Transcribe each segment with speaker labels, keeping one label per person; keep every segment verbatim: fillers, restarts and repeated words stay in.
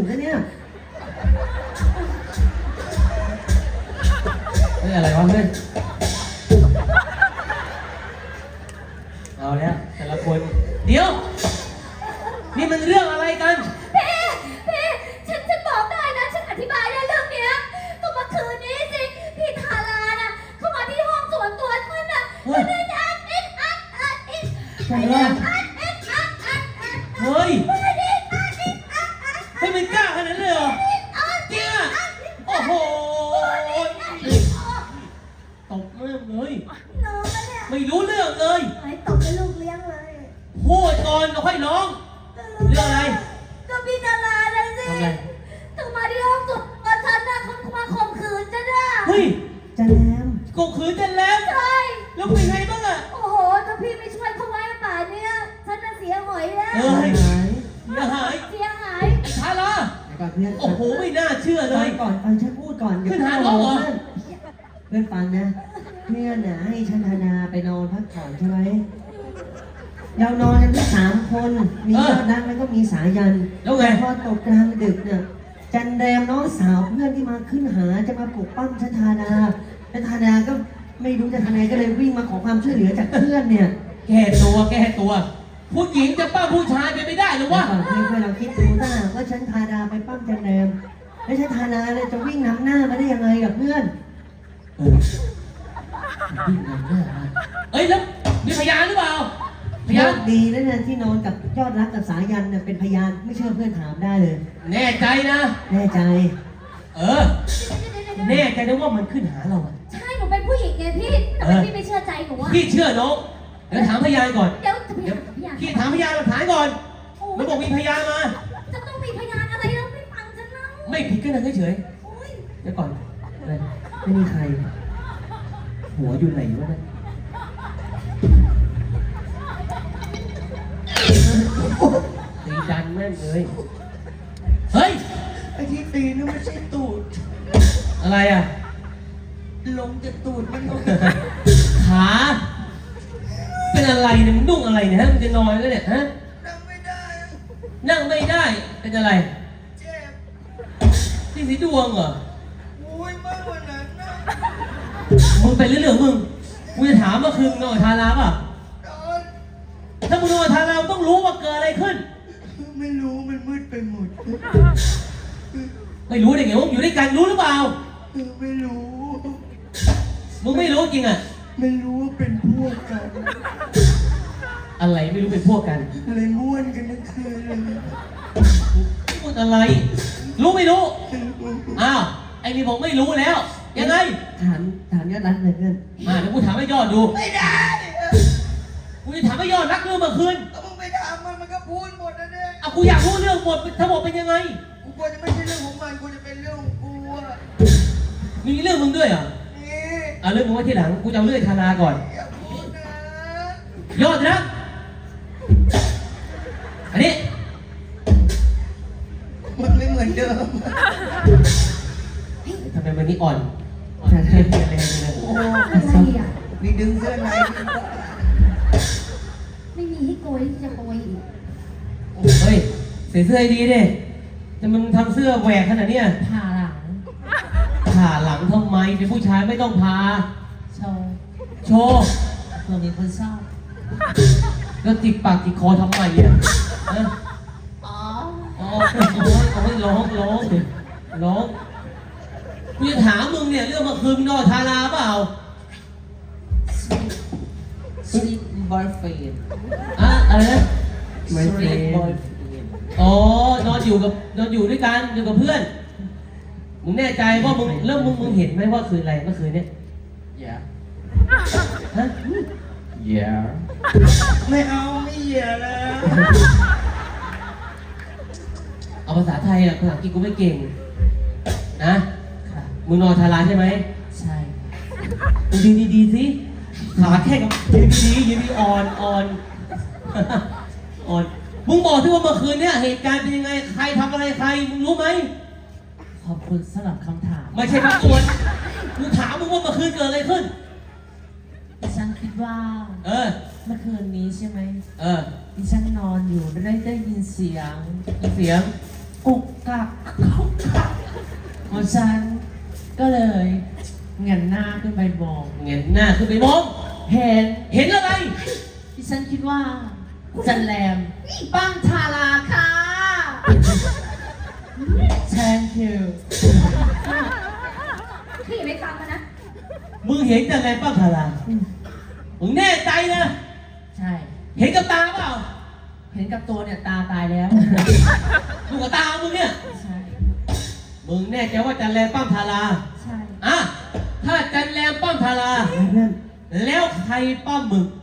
Speaker 1: งซะเนี่ย
Speaker 2: เฮ้ยอะไรวะเพื่อนเอาแล้วแต่ละคนเดี๋ยวนี่มันเรื่องอะไรกัน
Speaker 3: พี่พี่ฉันฉันบอกได้นะฉันอธิบายได้เรื่องเนี้ยก็เมื่อคืนนี้สิพี่ทาราน่ะเข้ามาที่ห้องส่วนตัวฉันน่ะฉันได้อัดอิดอัดอัดอิดอัดอิดอัดอิดอัดอัดอัด
Speaker 2: เฮ้ย
Speaker 3: อัดอิดอัดอิดอัดอัด
Speaker 2: ให้มันกล้าขนาดนั้นเลยเหรอจริงอ่ะโอ้โหตบมือเลย
Speaker 3: น้องเนี่ย
Speaker 2: ไม่รู้เรื่องเลย
Speaker 3: ไอ้ตบเป็นลูกเลี้ยงเลย
Speaker 2: พูดก่อนแล้วค่อยร้องเรื่องอะไร
Speaker 3: ก็พี่ทาราเลยสิ
Speaker 2: ทำไง
Speaker 3: ถึงมาที่ห้องส่วนตัวฉันน่ะเขามาข่มขืนฉันน่ะ
Speaker 2: เฮ้ย
Speaker 1: จันแรม
Speaker 2: กูขืนกันแล้ว
Speaker 3: ใช่
Speaker 2: แล้วเป็นไงบ้างอ่ะ
Speaker 3: โอ้โหถ้าพี่ไม่ช่วยเขาไว้ป่านเนี้ยฉันจะเสียหอยแล้ว
Speaker 2: เอ้ย
Speaker 1: หาย
Speaker 2: อย่าหาย
Speaker 3: เสียหาย
Speaker 2: ไอ้ชาลา
Speaker 1: แต่ก่อนเพื่อน
Speaker 2: โอ้โหไม่น่าเชื่อเล
Speaker 1: ฟัง
Speaker 2: ย
Speaker 1: ก่อนฟังฉันพูดก่อนอย่
Speaker 2: ขึ้นหาน้องเหรอ
Speaker 1: เพื่อนเพื่อนฟังนะเพื่อนน่ะให้ฉันธนาไปนอนพักผ่อนใช่ไหมเรานอนกันที่สามคนมียอดนักแล้วก็มีสายัน
Speaker 2: แล้วไง
Speaker 1: พอตกกลางดึกเนี่ยจันแรมน้องสาวเพื่อนที่มาขึ้นหาจะมาปลุกปั้มชันธาดาชันธาดาก็ไม่รู้จะทำไงก็เลยวิ่งมาขอความช่วยเหลือจากเพื่อนเนี่ย
Speaker 2: แก้ตัวแก้ตัว ผู้หญิงจะป้าผู้ชายเป็นไม่ได้หรือวะ
Speaker 1: ก่อนเพื่อนเพื่อนเราคิดดูถ้าหากว่าชันธาดาไปปั้มจันแรมแล้วชันธาดาเนี่ยจะวิ่งนำหน้ามาได้ยังไงกับเพื่อน
Speaker 2: เออวิ่งนำหน้ามาเอ้ยแล้วมีพยานหรือเปล่าพ
Speaker 1: โช
Speaker 2: ยาน
Speaker 1: คดีแล้วนะที่นอนกับยอดรักกับสายันเนี่ยเป็นพยานไม่เชื่อเพื่อนถามได้เลย
Speaker 2: แน่ใจนะ
Speaker 1: แน่ใจ
Speaker 2: เออ แน่ใจนะว่ามันขึ้นหาเราอะ
Speaker 3: ใช่หนูเป็นผู้หญิงไงพี่ทำไมพี่ไม่เชื่อใจหนูอะ
Speaker 2: พี่เชื่อน้องเดี๋ยวถามพยานก่อน
Speaker 3: เดี๋ยวจะไป
Speaker 2: เดี๋ยว
Speaker 3: หาพยาน
Speaker 2: พี่ถามพยานหลักฐานก่อน
Speaker 3: โอ้
Speaker 2: มันบอกมีพยานมา
Speaker 3: จะต้องมีพยานอะไรแล้วไม่ฟังฉันเล่า
Speaker 2: ไม่ผิดก็นั่งเฉย
Speaker 3: โอ้ย
Speaker 2: ๆเดี๋ยวก่อนอะไร
Speaker 1: ไม่มีใคร
Speaker 2: หัวอยู่ไหนวะเนี่ยตีดันแม่งเลย เฮ้ย
Speaker 4: ไอ้ที่ตีนี่ไม่ใช่ตูด
Speaker 2: อะไรอ่ะ
Speaker 4: ลงจากตูดมันลง
Speaker 2: ขา เป็นอะไรเนี่ยมึงนุ่งอะไรเนี่ยฮะมึงจะนอนแล้วเนี่ยฮะ
Speaker 4: นั่งไม่ได้อะ
Speaker 2: นั่งไม่ได้ เป็นอะไร
Speaker 4: เจ็บ
Speaker 2: ที่สีดวงเหรอ
Speaker 4: โอ้ยมากกว่านั้นนะ
Speaker 2: มึงไปเรื่องๆมึงกูจะถามว่าคืนมึงนอนกับทาราป่ะ
Speaker 4: ตอน
Speaker 2: ถ้ามึงนอนกับทารามึงต้องรู้ว่าเกิดอะไรขึ้น
Speaker 4: ไม่รู้มันมืดไปหมด
Speaker 2: ไม่รู้ได้ไงว่าอยู่ด้วยกันรู้หรือเปล่า
Speaker 4: เออไม่รู้
Speaker 2: มึงไม่รู้จริงอ่ะ
Speaker 4: ไม่รู้ว่าเป็นพวกกัน
Speaker 2: อะไรไม่รู้เป็นพวกกัน
Speaker 4: เลยม่วนกันทั้งคืนเลย
Speaker 2: พูดอะไร รู้ไม่รู้ อ้าว ไอ้นี่บอกไม่รู้แล้ว ยังไง
Speaker 1: ถามถามยอดรักเลยเพื่อน
Speaker 2: อ่าเดี๋ยวกูถามให้ยอดดู
Speaker 4: ไม่ได้
Speaker 2: กูจะถามให้ยอดรักเรื่องเมื่อคืน
Speaker 4: ก็มึงไปถามมันมันก็พูดหมดนะเนี่ย
Speaker 2: อ่ะกูอยากรู้เรื่องหมดทั้งหมดเป็นยังไง
Speaker 4: กูกลัวจะไม่ใช่เรื่องของมันกูจะเป็นเรื่องของกูอะ
Speaker 2: มีเรื่องมึงด้วยเหรอ
Speaker 4: นี่
Speaker 2: เอาเรื่องมึงไว้ทีหลัง กูจะเอาเรื่องทาราก่อน
Speaker 4: อย่าพูดนะ
Speaker 2: ยอดรักอันนี้
Speaker 4: มันไม่เหมือนเดิม
Speaker 2: ทำไมวันนี้อ่อน อ่อนเปลี่ยนเปลี่ยนแรงเลย
Speaker 4: โอ้
Speaker 3: อะไรอ่ะ
Speaker 4: มีดึงเสื้อใน
Speaker 3: ไม่มีให้โกยที่จะโกยอีก
Speaker 2: เฮ้ยใส่เสื้อให้ดีดิแต่มึงทำเสื้อแหวกขนาดเนี้ย
Speaker 3: ผ่าหลัง
Speaker 2: ผ่าหลังทำไมเป็นผู้ชายไม่ต้องพา
Speaker 3: โชว์
Speaker 2: โชว์
Speaker 3: เผื่อมีคนชอบ
Speaker 2: แล้วจิกปากจิกคอทำไมอ่ะฮะ
Speaker 3: อ๋อ
Speaker 2: อ๋อโอ้ยโอ้ยร้องร้องร้องกูจะถามมึงเนี่ยเรื่องเมื่อคืนมึงนอนทาราเปล่า
Speaker 4: สลิปบอยเฟน
Speaker 2: อะอะไรนะ
Speaker 1: ไม่เฟรน
Speaker 2: อ๋อนอนอยู่กับนอนอยู่ด้วยกันอยู่กับเพื่อน มึงแน่ใจว่ามึงแล้วมึงมึงเห็นไหมว่าคืนอะไรเมื่อคืนเนี่ย
Speaker 4: อย่า
Speaker 2: ฮะ
Speaker 4: อย่าไม่เอาไม่เหยียแล้ว
Speaker 2: เอาภาษาไทยอะภาษาอังกฤษกูไม่เก่งนะมึงนอนทาราใช่ไหม
Speaker 3: ใช่
Speaker 2: มึงยืนดีๆสิขาแค่กับยืนดีๆยืนดีอ่อนอ่อนอ่อนมึงบอกที่ว่าเมื่อคืนเนี่ยเหตุการณ์เป็นยังไงใครทำอะไรใครมึงรู้ไหม
Speaker 3: ขอบคุณสำหรับคำถาม
Speaker 2: ไม่ใช่มาอวดกูถามมึงว่าเมื่อคืนเกิดอะไรขึ้น
Speaker 3: ดิฉันคิดว่า
Speaker 2: เออ
Speaker 3: เมื่อคืนนี้ใช่ไหม
Speaker 2: เออ
Speaker 3: ดิฉันนอนอยู่ได้ได้ยินเสียง
Speaker 2: มีเสียง
Speaker 3: กุก
Speaker 5: กักเพราะฉันก็เลยเงนหน้าขึ้นไปมอง
Speaker 2: เงยหน้าขึ้นไปมอง
Speaker 5: เห็น
Speaker 2: เห็นอะไร
Speaker 5: ที่ฉันคิดว่าจันแรมปังทาราค่ะ thank you
Speaker 3: พี่อย่าไปฟังมันนะ
Speaker 2: มึงเห็นแต่อะไรป้าพารามึงแน่ใจนะ
Speaker 5: ใช่
Speaker 2: เห็นกับตาเปล่า
Speaker 5: เห็นกับตัวเนี่ยตาตายแล้ว
Speaker 2: ดูกับตามึงเนี่ย
Speaker 5: ใช่
Speaker 2: มึงแน่ใจว่าจันแรมป้อมทารา
Speaker 5: ใช่
Speaker 2: อ่ะถ้าจันแรมป้อมทารา
Speaker 1: เพื่อน
Speaker 2: แล้วใครป้อมมึง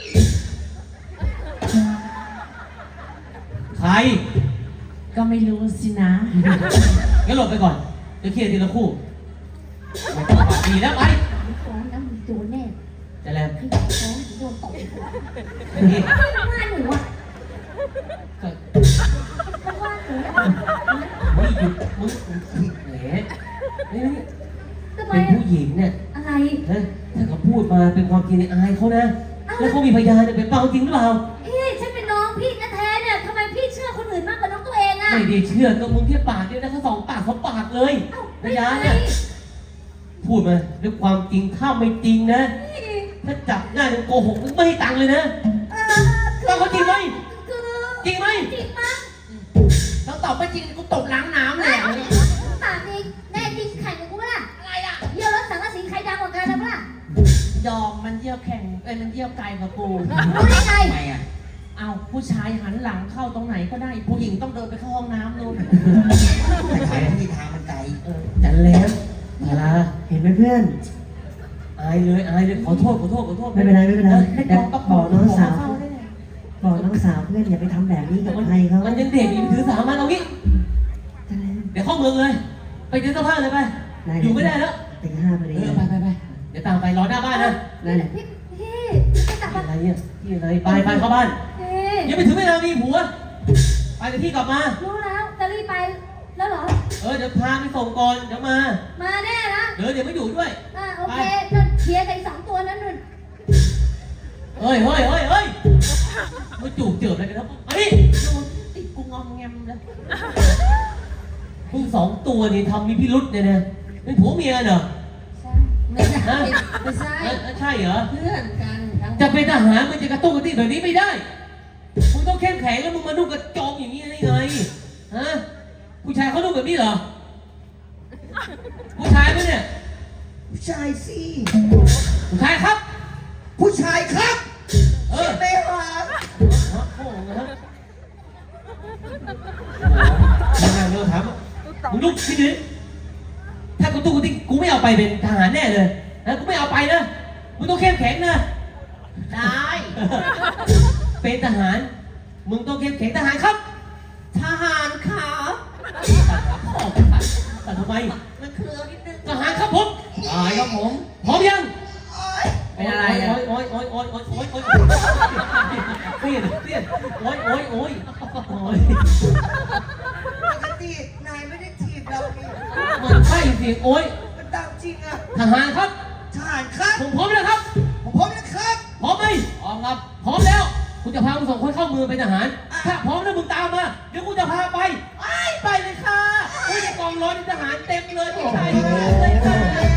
Speaker 2: ใคร
Speaker 5: ก็ไม่รู้สินะ
Speaker 2: งั้นหลบไปก่อนเดี๋ยวเคลียร์ทีละคู่ไม่ต้องปากดีแล้วไป
Speaker 3: ฟ้องนะมึงโดนแน่
Speaker 2: จันแรม
Speaker 3: ขยะฟ้องโดนตบ
Speaker 2: นี่
Speaker 3: มันว่าหนูอ่ะ
Speaker 2: ก็
Speaker 3: มันว่าหนู
Speaker 2: เฮ้ยหยุดมึงแหมนี่
Speaker 3: ทำไม
Speaker 2: เป็น
Speaker 3: อะ
Speaker 2: ผู้หญิงเนี่ย
Speaker 3: อะไร
Speaker 2: นะถ้าเขาพูดมาเป็นความจริงในอายเขานะ แล้วเขามีพยานเนี่ยเป็นเปล่าจริงหรือเปล่า
Speaker 3: พี่ฉันเป็นน้องพี่แท้ๆเนี่ยทำไมพี่เชื่อคนอื่นมากกว่าน้องตัวเองอ่ะ
Speaker 2: ไม่ได้เชื่อก็มึงแค่ปากเดียวนะเขาสองปากเขาปากเลย
Speaker 3: เอ้า
Speaker 2: พ
Speaker 3: ไม่
Speaker 2: ยาน
Speaker 3: ไง
Speaker 2: เนี่ยพูดมาด้วยความจริงถ้าไม่จริงนะ ถ้าจับได้มึงโกหกมึงไม่ให้ตังค์เลยนะ
Speaker 3: เออคือ
Speaker 2: เอาเขาจริงไหม
Speaker 3: คือ
Speaker 2: จริงไหม
Speaker 3: จริงมั้ง
Speaker 5: แล้วตอบไม่จริงกูตบล้างน้ำเลย
Speaker 3: ปากดีแน่จริงแข่งกับกูปะล่ะอะไรอ่ะเยี่ยวรถสังกะสีใครดังกว่ากันนะปะล่ะ
Speaker 5: ยอมมันเยี่ยวแข่งเอ้ยมันเยี่ยวไกลกว่ากู
Speaker 3: รู้ได้ไง
Speaker 5: ทำไมอ่ะ เอาผู้ชายหันหลังเข้าตรงไหนก็ได้ ผู้หญิงต้องเดินไปเข้าห้องน้ำนู่น
Speaker 4: ใช้ที่ทางมันไกล
Speaker 5: เออ
Speaker 2: จันแล้วพารา
Speaker 1: เห็นไหมเพื่อน
Speaker 2: อายเลยอายเลยขอโทษขอโทษขอโทษ
Speaker 1: ไม่เป็นไรไม่เป็นไร
Speaker 5: ให้
Speaker 1: แต่
Speaker 5: กองตะ
Speaker 1: บอกน้องสาว
Speaker 5: เข้าได้ไง
Speaker 1: บอกน้องสาวเพื่อนอย่าไปทำแบบนี้กับใครเขา
Speaker 2: มันยังเด็กอยู่ถือสามันเอางี้
Speaker 1: จันแรม
Speaker 2: เดี๋ยวเข้าเมืองเลย ไปเจอเสื้อผ้าเลยไป อยู่ไม่ได้แล้ว
Speaker 1: ตีห้าพอดี
Speaker 2: เออไปไปไปเดี๋ยวตามไปรอหน้าบ้านนะ
Speaker 1: ได้เลย
Speaker 3: พี่พี่จะกลับ
Speaker 2: อะ
Speaker 3: มา
Speaker 2: ไรเนี่ยที่อะไรไปไปเข้าบ้าน
Speaker 3: พี่
Speaker 2: ยังไม่ถึงเวลามีผัว ไปกับพี่กลับมา
Speaker 3: รู้แล้วจะรีบไปแล้วเหรอ
Speaker 2: เออเดี๋ยวพาไปส่งก่อนเดี๋ยวมา
Speaker 3: มาแน่นะ
Speaker 2: เดี๋ยวเดี๋ยวไม่อยู่ด้วย
Speaker 3: อ่าโอเคก็เคลียร์กันสองตัวนั้นนู่น
Speaker 2: เฮ้ยเฮ้ยเฮ้ยเฮ้ยมาจูบเจือบอะไรกันครับอันนี้
Speaker 5: ดูติดกูงอมแงมเลย
Speaker 2: มึงสองตัวนี่ทำมีพิรุษเนี่ยนะเป็นผัวเมียเหรอ
Speaker 3: ใช่
Speaker 5: ไม่ใช่
Speaker 2: ฮะ
Speaker 5: ไม่ใช่
Speaker 2: เอ้ยใช่เหรอ
Speaker 5: เพื่อนกันทั้ง
Speaker 2: จะเป็นทหารมันจะกระตุ้นกระติ้งแบบนี้ไม่ได้ มึงต้องเข้มแข็งแล้วมึงมานุ่งกระโจมอย่างนี้ได้ไง ฮะ ผู้ชายเขานุ่งแบบนี้เหรอ ผู้ชายไหมเนี่ย
Speaker 4: ผู้ชายสิ
Speaker 2: ผู้ชายครับ
Speaker 4: ผู้ชายครับ
Speaker 2: เออ
Speaker 4: ไม่หา
Speaker 2: ฮะโอ้โหนะครับโอ้โหนั่งเร็วถามมึงลุกที่นี่ถ้ากูตู้กูติ้งกูไม่เอาไปเป็นทหารแน่เลยนะกูไม่เอาไปนะ มึงต้องเข้มแข็งนะ
Speaker 5: ได้
Speaker 2: เป็นทหาร มึงต้องเข้มแข็งทหารครับ
Speaker 5: ทหารครับ
Speaker 2: ตัดขาพ่อตัดตัดทำไม
Speaker 5: มันเคลือนิดนึง
Speaker 2: ทหารครับผมตายครับผม พร้อมยัง
Speaker 5: เป็นอะไรอ่ะ
Speaker 2: โอ้ยโอ้ยโอ้ยโอ้ยโอ้ยโอ้ยโอ้ยเตี้ยเตี้ยโอ้ยโอ้ยโอ้ยโอ้ย
Speaker 4: ปกตินายไม่ได้ถีบเรานี่
Speaker 2: มันใช่เสียงโอ้ย
Speaker 4: มันตามจริงอะ
Speaker 2: ทหารครับ
Speaker 4: ทหารครับ
Speaker 2: ผมพร้อมแล้วครับ
Speaker 4: ผมพร้อมแล้วครับ
Speaker 2: พร้อมไหมพร้อมครับ พร้อมแล้วกูจะพามึงสองคนเข้าเมืองเป็นทหาร ถ้าพร้อมแล้วมึงตามมา เดี๋ยวกูจะพาไปไอ้ไปเลยค่ะอุ้ยในกองร้อยทหารเต็มเลยผู้ชายเลยค่ะ